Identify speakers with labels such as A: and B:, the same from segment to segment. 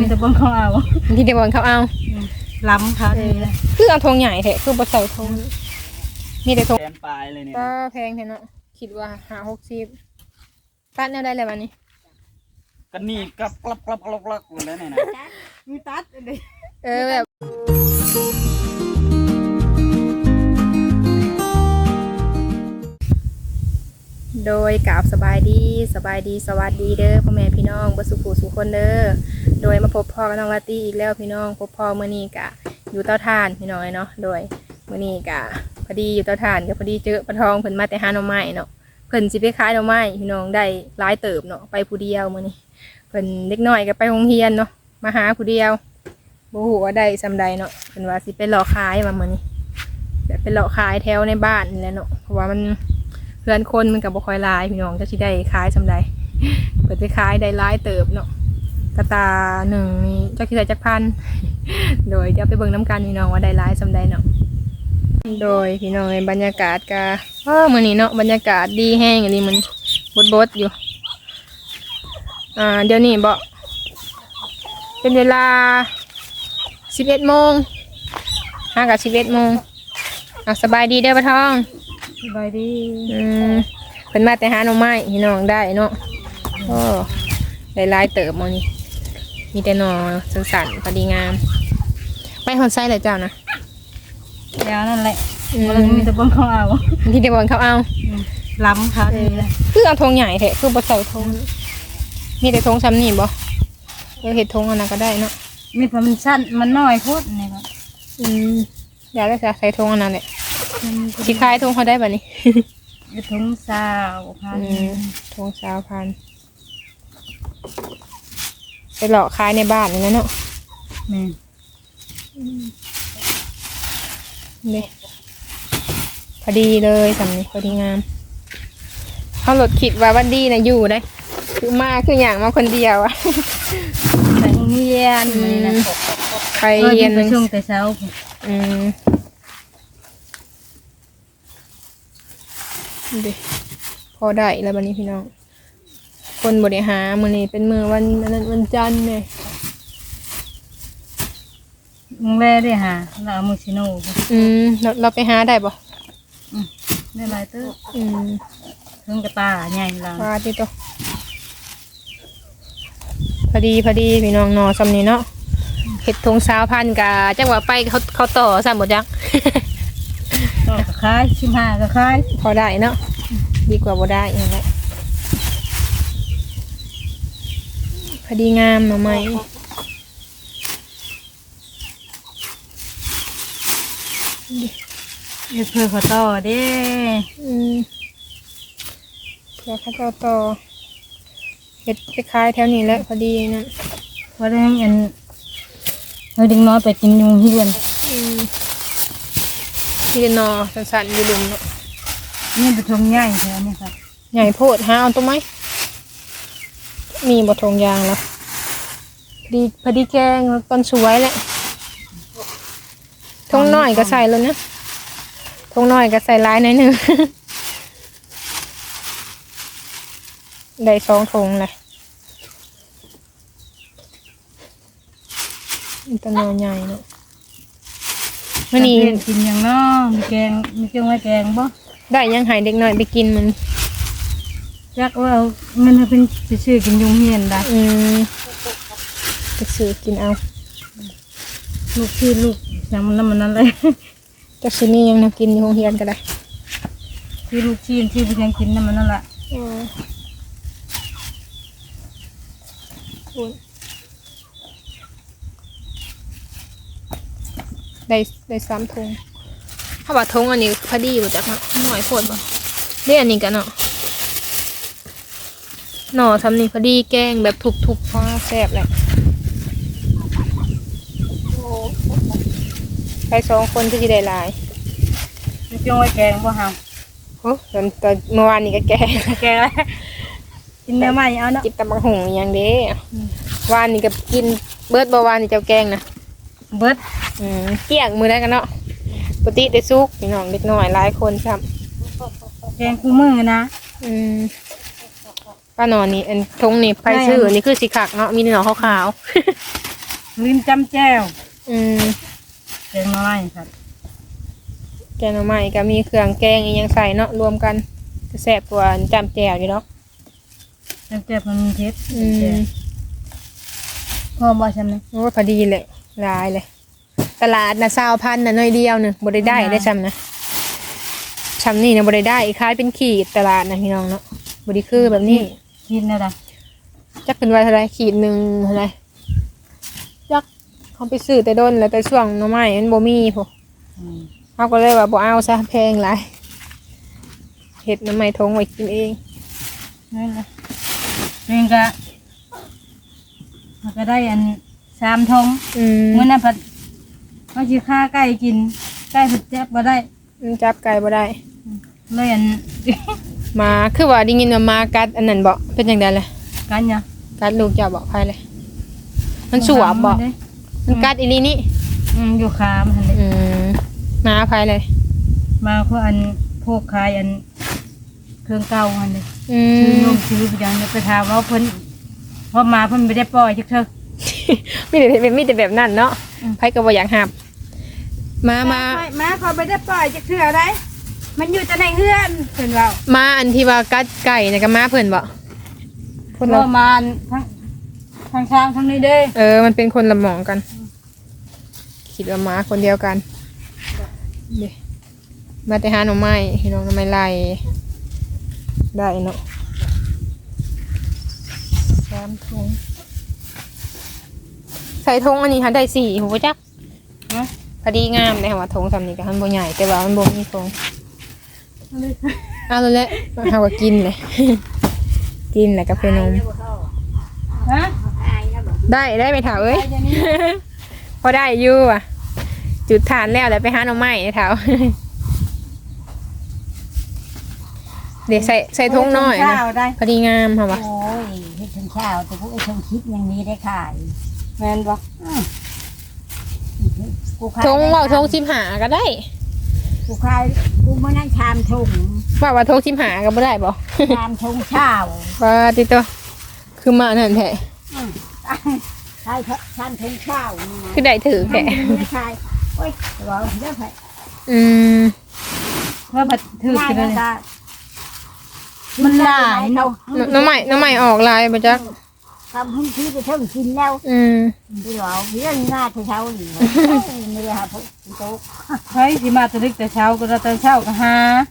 A: แต่บนเขาเอา
B: ที่เดบอนเขาเอา
A: ล้ำเขาดีเลย
B: คือเอาธงใหญ่แท้คือบ่ใส่ธงมีแต่ธง
C: แกนปลายเลยเนี่ย
B: ก็แพงแท้เนาะคิดว่า50ตัดแนวได้แล้ววันนี้
C: กันนี่กลับหมดแล้วเนี่ยนะ
A: มีตัดเลย
B: แบบโดยกราบสบายดีสวัสดีเด้อพ่อแม่พี่น้องบ่สุขสุขคนเด้อโดยมาพบพ่อกับน้องลาตี้อีกแล้วพี่น้องพบพ่อมื้อนี้กะอยู่เตาถ่านพี่น้อยเนาะโดยมื้อนี้กะพอดีอยู่เตาถ่านก็พอดีเจอปลาทองเพิ่นมาแต่หาหน่อไม้เนาะเพิ่นสิไปขายหน่อไม้พี่น้องได้หลายเติบเนาะไปผู้เดียวมื้อนี้เพิ่นเด็กน้อยก็ไปโรงเรียนเนาะมาหาผู้เดียวบ่ฮู้ว่าได้ซำใดเนาะเพิ่นว่าสิไปหลอกขายว่ามื้อนี้แบบไปหลอกขายแถวในบ้านนี่แหละเนาะเพราะว่ามันเพื่อนคนมันกับบ่ค่อยลายพี่น้องจะสิได้ขายสำใดเปิดไปขายได้หลายเติบเนาะกระตาหนึ่งนี่จักสิได้จักพันโดยเดี๋ยวไปเบิ่งน้ำกันพี่น้องว่าได้หลายสำใดเนาะโดยพี่น้องในบรรยากาศกะมื้อนี้เนาะบรรยากาศดีแห้งอันนี้มันบดอยู่เดี๋ยวนี้บ่เป็นเวลา11 โมงห่างกับ11 โมงสบายดีเด้อปะทอง
A: สบายดี
B: เพิ่นมาแต่หาหน่อไม้พี่น้องได้เนาะโอ้ได้หลายเติบมื้อนี้มีแต่หน่อสั้นๆพอดีงามไปฮอดไซเลยเจ้านะ
A: แล้วนั่นแหละมีแต่บนเขาเอา
B: ที่เดบอนเขาเอา
A: ล้ำเขาดีเลย
B: คือเอาธงใหญ่แท้คือบ่ใส่ธงมีแต่ธงซ้ำนี่บ่เฮ็ดธงอันนั้นก็ได้เนาะ
A: มีแต่มันสั้นมันน้อยโพดนี่ครับ
B: อยากได้ใส่ธงอันนั้นแหละสิขายธงเขาได้บัดนี้
A: ธง20,000
B: ธง20,000ไปหลอกขายในบ้านนี่นะเนาะ
A: แม่
B: นี่พอดีเลยสำนี้พอดีงามเขาหลดคิดว่าวันดีนะอยู่ได้คือมาคืออย่างมาคนเดียวอะ
A: ไปเรียน
B: ไปเรียน
A: ไปช่วงแต่เช้า
B: ดิพอได้แล้ววันนี้พี่น้องคนบริหารมื้อนี้เป็นมื้อวันนั้นวันจันทร์เนี่ย
A: มึงแล่ได้หาเราเอามือชิโน่
B: เราไปหาได้บ่
A: ได้หลายเตื้อเครื่องกระตาใหญ่เรา
B: ว่าที่ตัวพอดีพี่น้องนอสำนี้เนาะเห็ดทง20,000กะจังหวะไปเขาต่อซ้ำหมดจัง
A: ต่อก็ขาย15ก็ขาย
B: พอได้เนาะดีกว่าบ่ได้อย่างไรพอดีงามหน่อไม้
A: เพื่อเขาต่อเด้
B: เพื่อเขาต่อเห็ดไปขายแถวนี้แล้วพอดีนะ
A: พอได้เงินเราดึงน้อยไปกินยุงเฮียน
B: มีนอสั้นๆอยู่ลุมเนาะ
A: นี่เป็นทงใหญ่ใช่ไหมครับ
B: ใหญ่โพดหาเอาตัวไหมมีบททงยางแล้วพอดีแกงต้นสวยแหละทงน้อยก็ใส่เลยนะทงน้อยก็ใส่ลายหน่อยหนึ่งได้2 ทงเลยต้นนอใหญ่เนาะ
A: วันนี้กินอย่างน้อมีแกงมีเครื่องไว้แกงบ่
B: ได้ยังหายเด็กน้อยไปกินมัน
A: จักว่ามันเป็นชื่อกินยุงเฮียนได้
B: ไปซื้อกินเอา
A: ลูกอย่างมันนั่นเลย
B: จักชิ้นนี้ยังกินอยู่โรงเรียนก็ได้
A: ที่ลูกชิ้นที่ไปยังกินมันนั่นแหละ
B: ได้3 ทงถ้าว่าทงอันนี้พอดีอยู่จักเนาะหน่อยโคตรบ่ได้อันนี้กันเนาะหน่อทำนี่พอดีแกงแบบทุบๆพอแซ่บแหละไป2 คนที่ได้หลาย
A: มีเครื่องไว้แกงบ่ฮะ
B: โอ้ตอนเมื่อวานนี้ก็แกง
A: แล้วกินเนื้อใหม่เอาเนาะ
B: จิบตำบักหุ่งอย่างเด้วานนี้ก็กินเบิร์ดบ่วานนี้เจ้าแกงนะ
A: เบิร์ด
B: เกี่ยงมือได้กันเนาะปกติได้ซุกพี่น้องเด็กน้อยหลายคนซ้
A: ำแกงคู่มือนะ
B: ป้าหนอนนี่อันทงนี่ไฟซื้อนี่คือสีขาวเนาะมีหนอนขาว
A: ลิ้นจำแจ้ว
B: แกงหน่อไม้ครับ
A: แกงหน่อไม้ก็มีเครื่องแกงอีกอย่างใส่เนาะรวมกันจะแซ่บกว่าจำแจ่วอยู่เนาะ
B: จำแจ่วมันเผ็ดพอบ่ใช่ไหม
A: โอ้พอดีเลยหลายเลยตลาดนะ20,000น่ะน้อยเดียวนึงบ่ได้ซ้ำนะซ้ำนี่นะบ่ได้คล้ายเป็นขีดตลาดนะพี่น้องเนาะบ่ได้คือแบบนี้
B: กินอะไร
A: จักเป็นว่าเท่าไรขีดหนึ่งเท่าไรจักเขาไปซื้อแต่ด้นแล้วแต่ช่วงหน่อไม้มันบ่มีพอเขาก็เลยว่าบ่เอาซะแพงหลายเห็ดหน่อไม้ทงไว้กินเอง
B: นี่นะเป็นกะก็ได้อัน3 ทงเมื่อนั้นผัดเขาสิฆ่าไก่กินไก่ผัดแจ๊บบ่ได้
A: จับไก่บ่ได้
B: เลยอัน
A: มาคือว่าได้ยินว่ามากัดอันนั้นบ่เป็นจังได๋ล่ะ
B: กันเนี่ย
A: กัดลูกเจ้าบ่ไผเลยมันสวบบ่มันกัดอีหลีนี่
B: อยู่คามหั่นเลย
A: มาไผเลย
B: มาเพราะอันพวกขายอันเครื่องเก่าหั่นเลย
A: ซื้
B: ซื้อซื้อไปอย่างนี้ไปถามว่าเพิ่นพอมาเพิ่นไม่ได้ปล่อยจักเถอะ
A: มีแต่แบบนั้นเนาะไผก็บ่อยากหับมา
B: เขาไม่ได้ปล่อยจักเถอะได้มันอยู่แต่ในเฮือนเพิ่นว่า
A: มาอันที่ว่ากัดไก่น่ะก็มาเพิ่นบ่
B: คนละมานทั้งช้างทั้งนี้เด้
A: มันเป็นคนละหมองกันคิดว่ามาคนเดียวกันเด้มาแต่หาหน่อไม้พี่น้องหน่อไม้ไล่ได้เนาะ3 ถุงใส่ถุงอันนี้ค่ะได้4หัวจักพอดีงามเลยค่ะว่าถุงสำนี้ก็มันบ่ใหญ่แต่ว่ามันบ่มีถุงเอาเลยแหละเอาก็กินเลย กินแหละกับเพื่อนนม
B: ฮะ
A: ได้ไปเถาเอ้ย พอได้อยู่อ่ะจุดฐานแล้วไปหาหน่อไม้เถาเดี๋ยวใส่ถุงน้อยนะพอดีงามค่ะวะ
D: โอ้ยเฮ็ดถึงเช้าแต่พวกไอ้ชงคิดอย่างนี้ได้ขาย
B: แม่นบ่
D: กูขาย
A: ถุงว่าถุง15ก็ได้
D: กูขายกูเมื่อนั้นชามถุง
A: ว่าถุง15ก็บ่ได้บ่
D: ชามถุงเช้า
A: ว่าติโตคือมานั่นแท้
D: ขายชามถุงเช้านี่นะ
A: คือได้ถือแท้
D: ไม่ขายโอ้ยบอกเด้อไผ
B: ว่าบัดถือ
D: ง่าย
B: กัน
D: นะ
B: เลย
D: จ๊ะ
B: มันหลายเนาะ
A: น้ำใหม่ออกลายบ่จัก
D: ทำหุ้นที่ไปเท่ากินแล้ว ไปบอกเรื่องง่ายเช้านี่ไม่ได้หาพวกโต๊ะ
B: ใครสิมาแตะลึกแต่เช้าก็ตอนเช้าก็หาก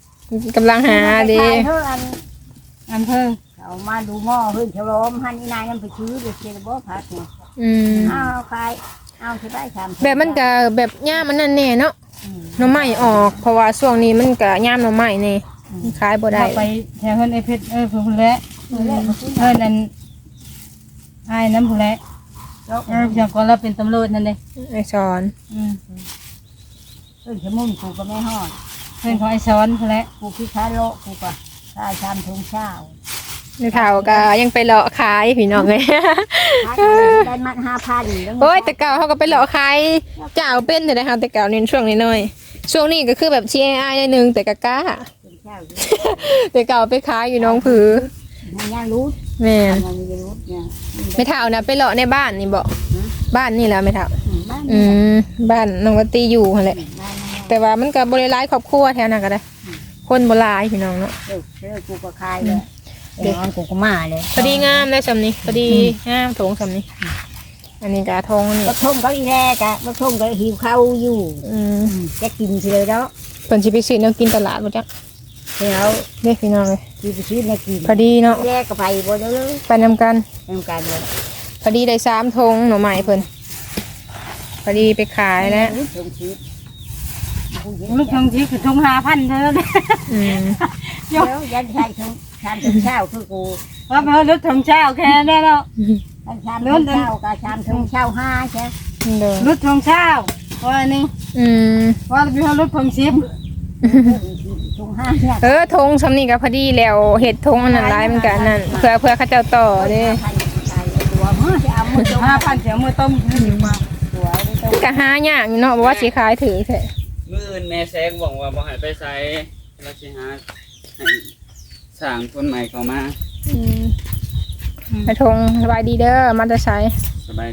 A: ำลังหาเด้
D: เท่าอัน
B: อันเพิ่ง
D: เอามาดูหม้อเฮ้ยเฉลมหันอีนายนั่นไปซื้อเด็กเจริญบ่พักเนี่ยเอาขายเอาที่ได้ชาม
A: แบบมันก็แบบย่ามมันนั่นแน่เนาะหน่อไม้ออกเพราะว่าช่วงนี้มันก็ย่ามหน่อไม้นี่ขายบ่ได้
B: ไปแถวเพิ่นไอ้เพชรเพิ่นแหละเพิ่นนั่นอ้ายน้ำผู้แหละอย่างก่อนเราเป็นตำรวจนั่นเด้
A: ไอ้สอน
D: เฮ้ยขมุนกูก็ไม่ห่อ
B: เพิ่นของไอ้ซ้อนผู้แหละ
D: กูคิดค้าโลกูก็ค่าชามถุงเช้า
A: ในเฒ่าก็ยังไปเลาะขายพี่น้องเลย
D: ได้มัด5,000
A: โอ้ยแต่เก่าเขาก็ไปเลาะขายเจ้าเป็นแต่ได้เฮาแต่เก่านี่ช่วงนี้น้อยช่วงนี้ก็คือแบบ CAI ได้นึงแต่ก็กล้าแต่เก่าไปขายอยู่น้องผือ
D: มันยังรู้
A: แม่น
D: มันมีรู้เนี่ย
A: ไม่เฒ่านะไปเลาะในบ้านนี่บ่บ้านนี่แหละไม่เฒ่า
D: บ้าน
A: บ้านน้องวัตตีอยู่หั่นแหละแต่ว่ามันก็บ่ได้หลายครอบครัวแถวนั้นก็ได้คนบ่หลายพี่น้องเนาะ
D: เออกูก็ขายเลยเดี๋ยวกูก็มาเลย
A: พอดีงามได้สำนี้พอดีงามถงสำนี้อันนี้กะทงนี่
D: บักทงก็อีแรกอะบักทงก็หิวข้าวอยู่จะกินเลยแล้ว
A: เพิ่นสิไปซื้อแนวกินตลาดบ่จัก
D: เดี๋ยว
A: เด้พี่น้องเลย
D: กินไปซื้อในกิน
A: พอดีเนาะ
D: แรกก็ไปบ่ได้เลย
A: ไปนำกัน
D: ทำการเลย
A: พอดีได้3ธงหน่อไม้เพิ่นพอดีไปขายแล้ว
D: ทงชีส
B: ลูกทองชีคือทง5,000เท่านั้น
D: เดี๋ยวยันใส่ทงชามทงเช้าคือกู
B: ว่าไปเอารถทองเช้าแค่นั้นเนาะ
D: ชามทงเช้ากับชามทงเช้า5ใช่
A: เด้อ
B: รถทองเช้าว่านี่ว่าไปเอารถทอง10
D: ทง5เนี่ย
A: ธงสำนี้ก็พอดีแล้วเฮ็ดธงอันนั้นหลายมันก็อันนั้นเพื่อเขาเจ้าต่อเด้
D: ตัวมือจะเอามือจง
B: 5,000เสียมือต้มอยู่มา
D: ตัวไม่ต้อง
A: ก็หายากอยู่เนาะบ่ว่าสิขายถือแท้
C: มื้ออื่นแม่แซงบอกว่าบ่ให้ไปไสแล้วสิหาให้สร้างคนใหม่เข้ามา
A: ไอ้ธงสบายดีเด้อมาแต่ไส
C: สบายดี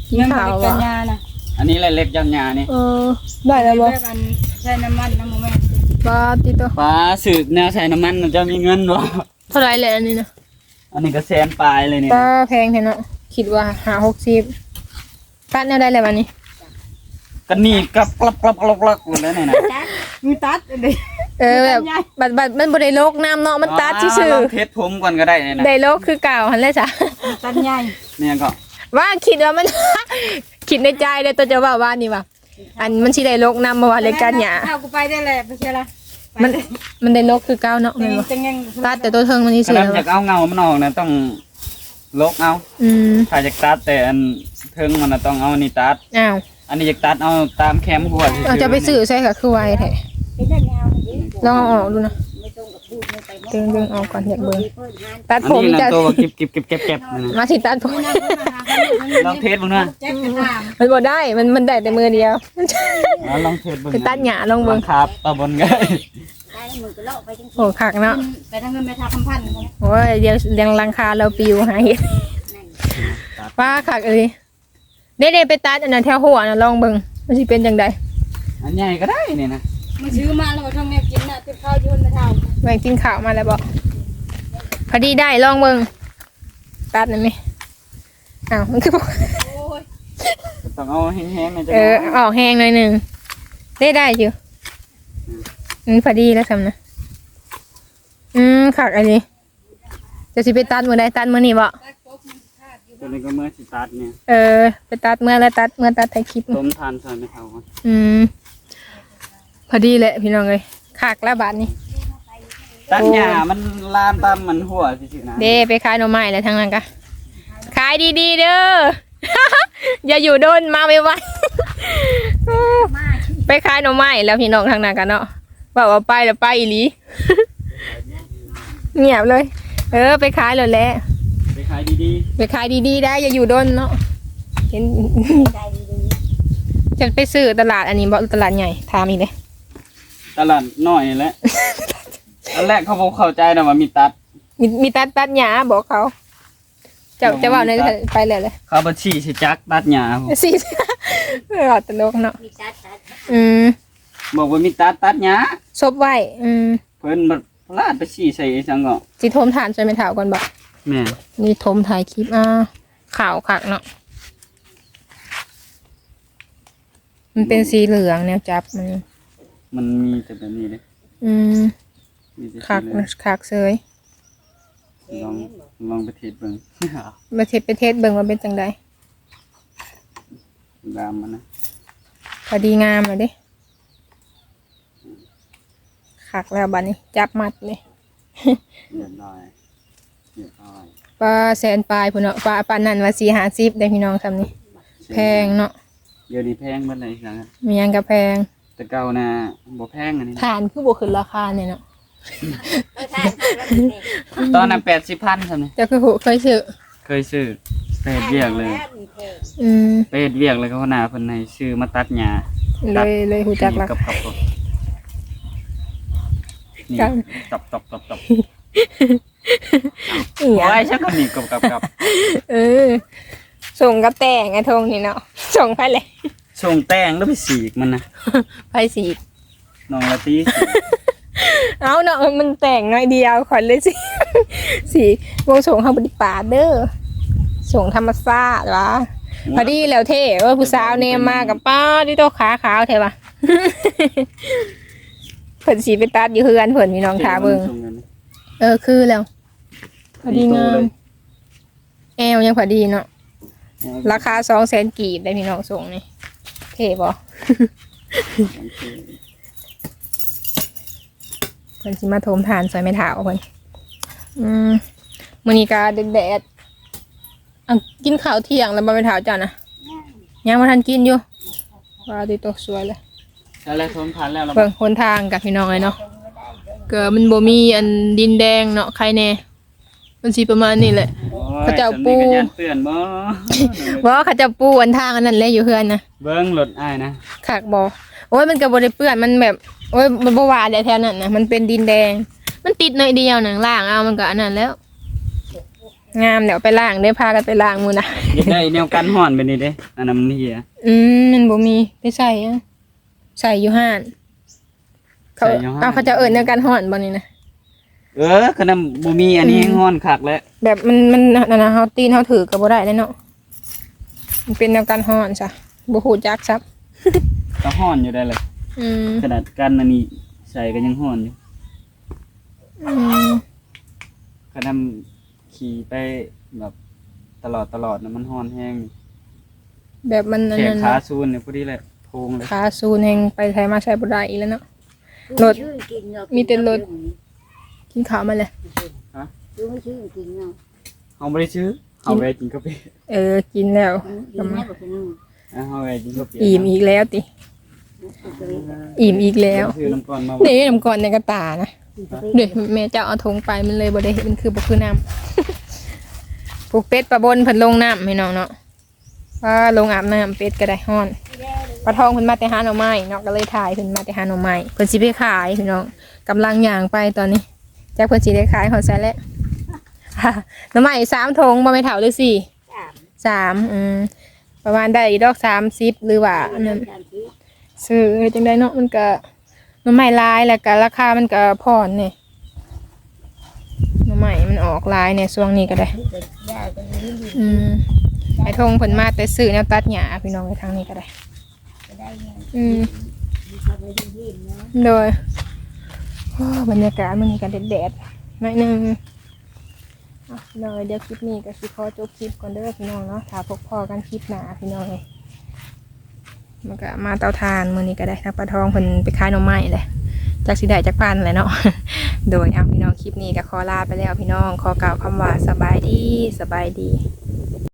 A: สีขาว
E: กั
A: อ่ะ
E: นยานะ
C: อันนี้แหละเล็กยันยานี่
A: ได้แล้วบ่
E: แบบอันใช้น้ำมันน้ำมันแม่
A: ปลาติโต
C: ป้าสืบแนวใส่น้ำมันมันจะมีเงินบ่
A: เท่าไหร่แหละอันนี้นะ
C: อันนี้ก็แสนปลายเลยนี่
A: ปลาแพงแท้เนาะคิดว่า60ตัดแนวได้แล้วบัดนี้
C: ก็นี่กับกลับหมดแล้วนี่นะ
E: มีตัดเลย
A: แบบบัดมันบ่ได้โลกน้ำเนาะมันตัดซื่อ
C: ลองเทสผมก่อนก็ได้นี่นะ
A: ๆได้โลกคือเก่าหั่นแหละจ้ะ
E: ตัดใหญ่
C: เนี่ยก็
A: ว่าคิดว่ามัน คิดในใจเลยตัวจะว่านี่ว่าอันมันสิได้โลกน้ำบ่ว่าเลยกันหยา
E: เอากูไปได้แหละไปเชียร์ละ
A: มันได้โลกคือเก่าเนาะแม่นบ่
E: จังยัง
A: ตัดแต่ตัวเทิงมันนี่
C: ถ้า
A: ซื่อ
C: เรา
A: แล้ว
C: อยากเอาเงามันออกนะต้องลกเอา ถ้าอยากตัดแต่อันเทิงมันน่ะต้องเอาอันนี้ตัด
A: อ้าว
C: อันนี้อยากตัดเอาตามแคมหัว
A: เราจะไปซื้อใช่ค่ะคือไวแท้
D: เป็นเรื่องยาวนี่
A: ลองเอาออกดูนะ
D: ไม่ต้องกับพูดไม่ไป
A: ดึงออกก่อนอยากเบิ่ง
D: เพิ่นหาน
A: ตัด
C: อัน
A: ผม
C: นี้นะ
A: จะ
C: ตัวว่าเก็บนั่นน่ะ
A: มาสิตัดผม
C: ลองเทสบ้างนะ
E: แจ็คจะถาม
A: มันบ่ได้มันได้แต่มือเดียว
C: ลองเทสบ้าง
A: ไปตัดหญ้าลองเบิ่ง
C: ครับตะบนไง
D: ได้มือก็เลาะไปจัง
A: โอ้คักเนาะ
E: ไปทางเงินไปทางคำพันธ์
A: โอ้ยเดี๋ยวรังคาเราปิวหาเห็ดป้าคักเอ้ยเด้ๆไปตัดอันนั้นแถวหัวน่ะลองเบิ่งมันสิเป็นจังได๋
C: อันใหญ่ก็ได้นี่นะ
E: มันซื้อมาแล้วมาทำแม่กินน่ะติดข้าวยืนมาทำ
A: แม่งกินข้าวมาแล้วบ่พอดีได้ลองเบิ่งตัดได้มั้ยอ้าวมันคือบ่
C: ต้องเอาแห้งๆในจัง
A: ออกแห้งหน่อยหนึงได้อยู่พอดีแล้วทำนะคักอันนี้จะสิไปตัดมื้อใดตัดมื้อนี้บ่
C: ตัวนี้ก็เมื่อสิตัดเนี่ย
A: ไปตัดเมื่อตัดถ่ายคลิป
C: ต้มทานใส่ไม่เท่ากัน
A: พอดีแหละพี่น้องเลยขากแล้วบาทนี้
C: ตัดหญ้ามันลามตามมันหัวสิๆนะ
A: เด้ไปขายหน่อไม้แล้วทั้งนั้นกะขายดีๆเด้อ อย่าอยู่โดนมาไวๆ ไปขายหน่อไม้แล้วพี่น้องทางนั้นกันเนาะว่าไปแล้วไปอีหลี เงียบเลย ไปขายเลยแหละ
C: ไปขายดี
A: ไปขายดีๆได้อย่าอยู่โดนเนาะเห็น
D: ใจดี
A: จะไปซื้อตลาดอันนี้บ่ตลาดใหญ่ถามอีกเลย
C: ๆตลาดน้อยนี่แหละอันแรกเขาบอกเข้าใจนะว่ามีตัด
A: มีตัดหญ้าบอกเขาจะว่าในไปเลยเลย
C: เขาบัญชีสิจักตัดหญ้าผม
A: สิ ตลกเนาะ
D: มีตัด
C: บอกว่ามีตัดหญ้า
A: ซบไว้
C: เพิ่นบัดลาดไปชี้ใส่จังก็
A: สิโทมฐานใส่ไม่ถาวก่อนบอก
C: แม่
A: นี่โทมถ่ายคลิปข่าวคักเนาะมันเป็นสีเหลืองแนวจับ
C: มันมีแต่แบบนี้เลยมีแต่
A: คัก
C: สีเหลือง
A: คักเซย
C: ลองไปเทสเบิ่ง
A: มาไปเทศเบิ่งว่าเป็นจังใด
C: ดามมันนะ
A: พอดีงามเลยเด้คักแล้วบัดนี้ จับมัดเลย
C: เรียบร้อยเรียบร้อย
A: ปลาแสนปลายพุ่นเนาะปลานั่นว่า450ได้พี่น้องคำนี้แพงเนาะ
C: เดี๋ยวนี้แพงเบิดเลยจัง
A: มีหยังก็แพง
C: แต่เก่าน่ะบ่แพงอันนี้
A: ฐานคือบ่ขึ้นราคาเนี่ยเนาะ
C: ตอนนั้น80,000ซั่นนี่
A: เจ้าคือเคยซื้อ
C: เคยซื้อไปเฮ็ดเวียกเลย ไปเฮ็ดเวียกเลยเขาหน้าเพิ่นให้ซื้อมาตัดหญ้า
A: เลยหูจักรา
C: กับ
A: คา
C: นี่
A: ครับ
C: ตับ
A: อีหยัง
C: โอ้ยชักก็นี่กับ
A: ส่งกับแต่งไอ้ทงนี่เนาะส่งไปเลย
C: ส่งแต้งแล้วไปสีกมันนะ
A: ไปสี
C: น้องละตี
A: เอาเนาะมันแต่งน้อยเดียวขอนเลยสิ สีวงส่งข้างบนป่าเด้อส่งธรรมชาติวะพอดีแล้วเท่ผู้สาวเนมมากับป้าที่โตขาขาวเท่ปะ เพิ่นสีไปตัดอยู่เฮือนเพิ่นมีน้องทาเบิ่งคือแล้วพอดีงามแอวยังพอดีเนาะราคา200,000 กีบได้พี่น้องส่งนี่เท่บ่ เพิ่นสิมาโทมทานใส่ไม้เท้าเพิ่นมื้อนี้ก็แดดๆกินข้าวเที่ยงแล้วบ่ไม้เท้าจ้ะนะยังบ่ทันกินอยู่ว่าติตกสวยเลย
C: แล้วทนพันแล้วเรา
A: เบิ่งหนทางกับพี่น้องเลยเนาะก็มันบ่มีอันดินแดงเนาะใครแน่มันสิประมาณนี้แหละ เขาเจ้าปู
C: เตือนบ่
A: บ่เขาจะปูอันทางอันนั้นแหละอยู่เฮือนนะ
C: เบิ้งรถอ้ายนะ
A: คักบ่โอ้ยมันก็บ่ได้เปื้อนมันแบบโอ้ยมันบ่ว่าได้แถวนั้นนะมันเป็นดินแดง มันติดหน่อยเดียวหนังล่างเอามันก็อันนั้นแล้วงามเดี๋ยวไปล้างได้พากันไปล้างมือนะ
C: อยากได้แนวกันฮ้อนไปนี่เด้อันนั้นมันเหีย
A: มันบ่มีไปใส่อะใส่อยู่ห้านเขา
C: ใส่อยู่ห้าน
A: เอาเขาจะเอิญในการห่อนบ่นี่นะ
C: ขนาดบ่มีอันนี้ฮ้อนคักแล้ว
A: แบบมันนั่นนะเฮาตีนเฮาถือก็บ่ได้เลยเนาะมันเป็นแนวการห่อนซะบ่ฮู้จักซับ
C: ก็ฮ้อนอยู่ได้เลย
A: อืม
C: ขนาดกันอันนี้ใส่ก็ยังฮ้อนอยู่
A: อืม
C: ขนาดขี่ไปแบบตลอดนะมันฮ้อนแห้ง
A: แบบมันอัน
C: แขน
A: นั้น
C: ขาซูนเนี่ยพอดีเลยโพงเลย
A: ขาซูนแห่งไปไทยมาใช้บ่ได้อีกแล้วเนาะ รถมีแต่รถ กินข้าวมาเลย
D: ดูไม่ชื่อกินเนาะ
C: เฮาบ่ได้ซื้อเฮาไปกินกาแฟ
A: กินแล้ว
D: กินแม่บอกกินนู่น
C: เฮาไปกินกาแฟ
A: อิ่มอีกแล้วติอิ่มอีกแล้ว
C: ซื้อน้ำก่อนมา
A: นี่น้ำก่อนในกระตานะเดี๋ยวแม่เจ้าเอาถุงไปมันเลยบ่ได้เห็นมันคือบ่คือน้ำ ผูกเป็ดปลาบนเพิ่นลงน้ำให้น้องเนาะว่าลงอาบน้ำเป็ดก็ได้ฮ้อนปลาทองเพิ่นมาแต่หาหน่อไม้เนาะก็เลยถ่ายเพิ่นมาแต่หาหน่อไม้เพิ่นสิไปขายพี่น้องกำลังย่างไปตอนนี้จักเพิ่นสิได้ขายฮอดไสแล้ว หน่อไม้3 ถุงบ่แม่นเฒ่าหรือ4 3ประมาณได้ดอก30หรือว่าอันนั้นซื้อจังได๋เนาะมันก็หน่อไม้หลายแล้วก็ราคามันก็พอนี่หน่อไม้มันออกหลายในช่วงนี้ก็ได้ ไอ้ทงเพิ่นมาแต่ซื้อแนวตัดหญ้าพี่น้องไปทางนี้ก็ได้โดยโอ้บรรยากาศมันนี่กันแดดๆหน่อยหนึงเลยเดี๋ยวคลิปนี้ก็สิขอจบคลิปก่อนเด้อพี่น้องเนาะถ้าพบพอกันคลิปหน้าพี่น้องเลยมันก็มาเตาถ่านมื้อนี้ก็ได้ทางปลาทองเพิ่นไปขายหน่อไม้เลยจากสิได้จากปานแหละเนาะ โดยเอาพี่น้องคลิปนี้ก็ขอลาไปแล้วพี่น้องขอกล่าวคำว่าสบายดี